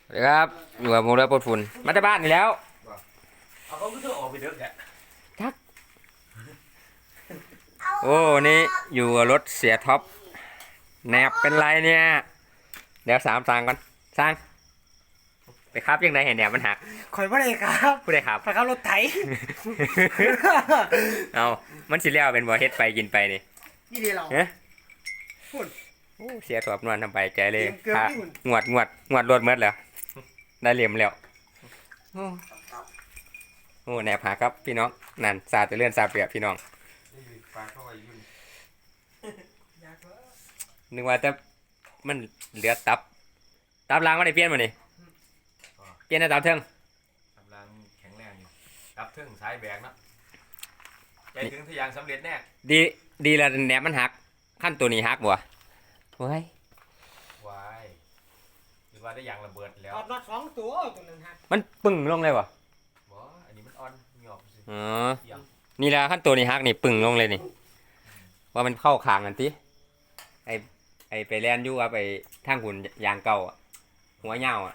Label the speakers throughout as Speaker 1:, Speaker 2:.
Speaker 1: สวัสดีครับอยู่กับผมแล้วปดฝุ่นมาจากบ้านนี่แล้ว
Speaker 2: เอาเขาก็ต้องออกไปเด้อแก
Speaker 1: ทักโอ้นี่อยู่กับรถเสียท็อปแหนบเป็นไรเนี่ยเดี๋ยวสามสั่งก่อนสั่งไปครับยังไงเห็นแหนบมันหัก
Speaker 3: ข่อยบ่ได้ครับ
Speaker 1: ผู้ใดครับ
Speaker 3: ข่อยขับรถไถ
Speaker 1: เอามันสิเลี้ยวเป็นบ่เฮ็ดไปกินไปนี่
Speaker 3: นี่ดีเรา
Speaker 1: เฮ้ย
Speaker 3: พุ่น
Speaker 1: โอ้เสียท็อปนวลทำไปใจเลย
Speaker 3: เกิน
Speaker 1: ค่ะ
Speaker 3: ที่หุ่น
Speaker 1: งวดรถเมดแล้วได้เหลี่ยมแล้วโอ้แหนบหักครับพี่น้องนั่นซาจะเลื่อนซาเปียกพี่น้องนึกว่าจะมันเหลือตับล้างมาได้เปลี่ยนมานี่เปลี่ยนได้ตับเทิง
Speaker 2: กำลังแข็งแรงอยู่รับถึงสายแบกนะใจถึงทะยานสำเร็จแน่
Speaker 1: ดีแล้วแหนบมันหักขั้นตัวนี้หักบ่เว้ยว
Speaker 2: ายหรือว่าได้ยางระเบิดแล้ว
Speaker 3: ถอดน็อต2ตัวตัวนั้นฮะ
Speaker 1: มันปึ่งลงเลยบ่
Speaker 2: บ่อันนี้มันอ่อนหยอบสิ
Speaker 1: อ๋อนี่แหละขั้นตัวนี้หักนี่ปึ่งลงเลยนี่ว่ามันเข้าคางกันติไอไปแล่นอยู่ว่าไปทางหุ่นยางเก่าอะหัวเหย้าอ่ะ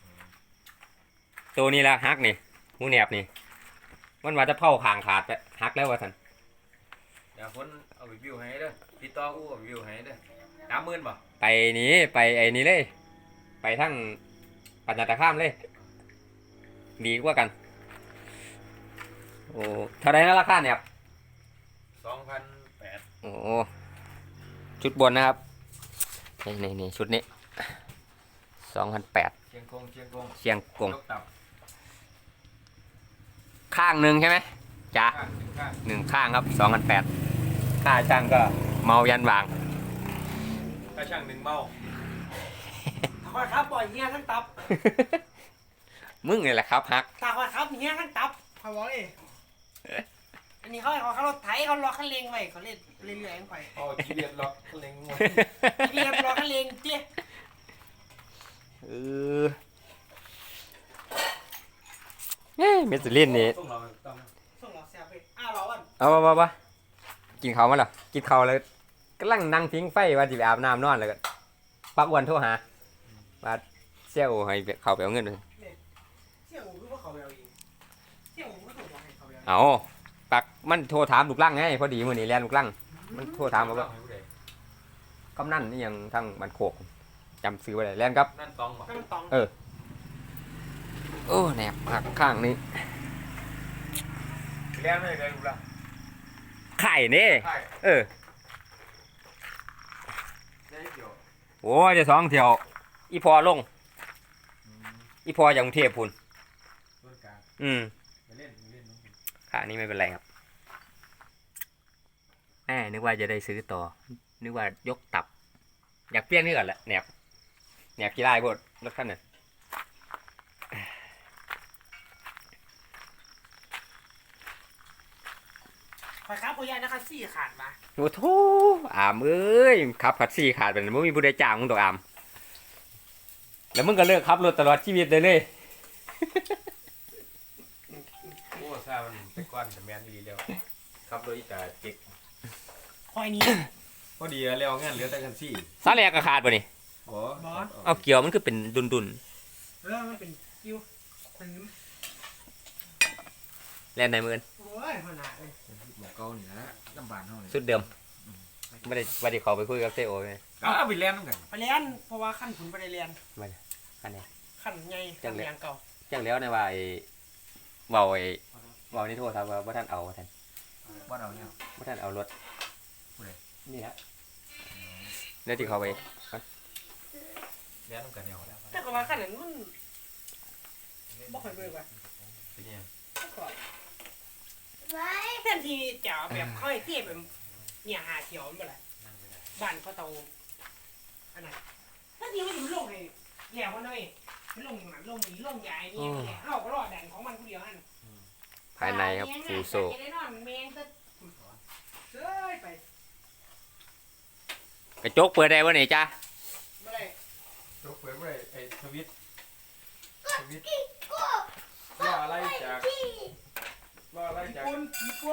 Speaker 1: ตัวนี้ละหักนี่หูแหนบนี่มันว่าจะเข้าคางขาดไปหักแล้วว่าซั่น
Speaker 2: เดี๋ยวคนเอาไปวิวให้เด้อติดต่ออู้เอาไปวิวให้เด้อ30,000บ่
Speaker 1: ไปนี้ไปไอ้นี้เลย ไปทั้งปัญญาตะข้ามเลย ดีกว่ากัน โอ้เท่าไรนะราคาเนี่ยครับ
Speaker 2: 2,800
Speaker 1: โอ้ชุดบนนะครับนี่ชุดนี้2,800
Speaker 2: เชียงกง
Speaker 1: เชียงกง
Speaker 2: ยกตับ
Speaker 1: ข้างหนึ่งใช่ไหมจ้า
Speaker 2: ข้าง
Speaker 1: หนึ่งข้างครับ2,800ค่าช่างก็เมายันวาง
Speaker 2: ถ้าช่างหนึ่งเมา
Speaker 3: ข่อยขับปล่อยเฮียทั้งตับ
Speaker 1: มึงนี่แหละครับฮัก
Speaker 3: ถ้าข่อยขับเฮียทั้งตับข่อยบอกเลยอันนี้เขาให้ข่อยขับรถไถเขาล็อกคันเร่งไว้เขาเล่นเรื่อยๆของข่อย
Speaker 2: อ๋อจีเรียดล็อกเล็งงว
Speaker 3: เรียบล็อกคันเร่งเจ๊
Speaker 1: เออเมสลินนี่
Speaker 2: ต้องเราต้อง
Speaker 3: ส่งหลอกแซ่บไปรอวัน
Speaker 1: เอากินเขาวมาเหรอกินเขาวเลยกำลังนั่งทิ้งไฟว่าจะไปอาบน้ำนอนเลยก็ปักอ้วันโทรหาว่าเซี่ยวให้เขาไปเอาเงินเลย
Speaker 3: เสี่ยงหูคือว่าเขาไปเอาเองเสี่ยงหูก็ส่งบอกให้เขาไปเอา
Speaker 1: เอาปักมันโทรถามลูกลั่งไงพอดีมื้อนี้แล่นลูกลั่งมันโทรถามว่า กำนันนี่ยังทั้งบันโขกจำซื้อไว้เลยแล่นครับ
Speaker 2: นั่นตองบ่
Speaker 3: ก็มันตอง
Speaker 1: โอ้แหนบหักข้างนี้
Speaker 2: เลี้ยงเลยลูกละ
Speaker 1: ไข่นี่
Speaker 2: ใช่
Speaker 1: เออ
Speaker 2: ได้เกี่ยว
Speaker 1: โอ้ยจะสองเที่ยวอีพอลงอีพอจากกรุงเทพพุ่น
Speaker 2: ต้นกลาง ไปเล่นน้อง
Speaker 1: ขานี้ไม่เป็นไรครับนึกว่าจะได้ซื้อต่อ นึกว่ายกตับ อยากเปลี่ยนนี่ก่อนแหละแหนบกี่ไร่พวกรถคันนั้น
Speaker 3: ข่อยขับข่อยยันนะคะซี่ขาดมา
Speaker 1: โอ้โถอามเอ้ยขับขัดซี่ขาดเป็นมึงมีผู้ใดจ้างมึงดอกอามแล้วมึงก็เลิกขับรถตลอดชีวิตเลย
Speaker 2: โอ้ซามันเป็นก้อนแต่แมนดีแล้วครับโดยอีตาจิก
Speaker 3: ข่อยนี้
Speaker 2: พอดีแล้วงานเหลือแต่กันซี่
Speaker 1: ซาแลกก็ขาดป่ะนี่
Speaker 2: บ่
Speaker 1: เอาเกี่ยวมันคือเป็นดุน
Speaker 3: มันเป็นคิวมัน
Speaker 1: ๆแล่นในมือ
Speaker 3: โอ้ยขนาดเลย
Speaker 2: หมอเก่านี่นะลำบากเท่านี้
Speaker 1: สุดเดิมไม่ได้เขาไปคุยกับเซโอไหม
Speaker 2: เอาไปเล่นน้ำกัน
Speaker 3: ไปเรียนเพราะว่าขั้นขุนไปได้เรียน
Speaker 1: อันนี้
Speaker 3: ขั้นใหญ่ขั้นเรียนเก่า
Speaker 1: จังแล้วในว่าเบานี่โทษครับว่าท่านเอาท่าน
Speaker 2: บ้านเราเนี่ย
Speaker 1: ว่าท่านเอารถ
Speaker 2: ผู้ใด
Speaker 1: นี่ฮะเดี๋ยวที่เขาไป
Speaker 2: เล่นน้ำกันเนี่ยแล้ว
Speaker 3: แต่ก็ว่าขั้นนั้นมันบ่ค่อยเบื่อว่ะ
Speaker 2: เป็นยัง
Speaker 3: บ่ค่อยแทนที่จะแบบค่อยเทียบแบบเนี่ยหาเขียวมันบ่ล่ะบ้านเขาเตาอันนั้นถ้าทีมันอยู่ลงให้แล้วมันเลยมันลงหมันลงนี่ลงใหญ่นี่แหละเฮาก็รอดแดนของมันผู้เดียวนั่น
Speaker 1: ภายในครับฟูโซ
Speaker 3: จะได้นอนแมงซะเอ้ยไป
Speaker 1: กระจกเปิดได้วะนี่จ้า
Speaker 3: บ่ได้
Speaker 2: ยกเผยไปไอ้สวิตว่าอะไรจาก
Speaker 3: กี่คน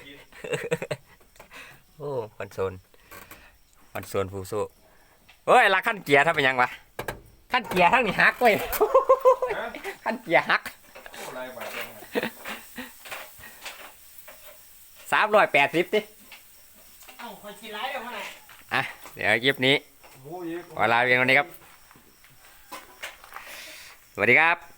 Speaker 1: โอ้คอนโซลฟูโซเฮ้ยลักขั้นเกียร์ถ้าเป็นยังวะขั้นเกียร์ทั้งนี้ฮักเว้ย
Speaker 2: ฮะ
Speaker 1: ขั้นเกียร์ฮัก
Speaker 2: โอ้ไรบาทเลย
Speaker 1: 380สิ
Speaker 3: เอ้าคอยกินไรเดี๋ยวมาไหน
Speaker 1: อ่ะเดี๋ยวคลิปนี้
Speaker 2: หมูอีก
Speaker 1: ขอลาเพียงเท่านี้ครับสวัสดีครับ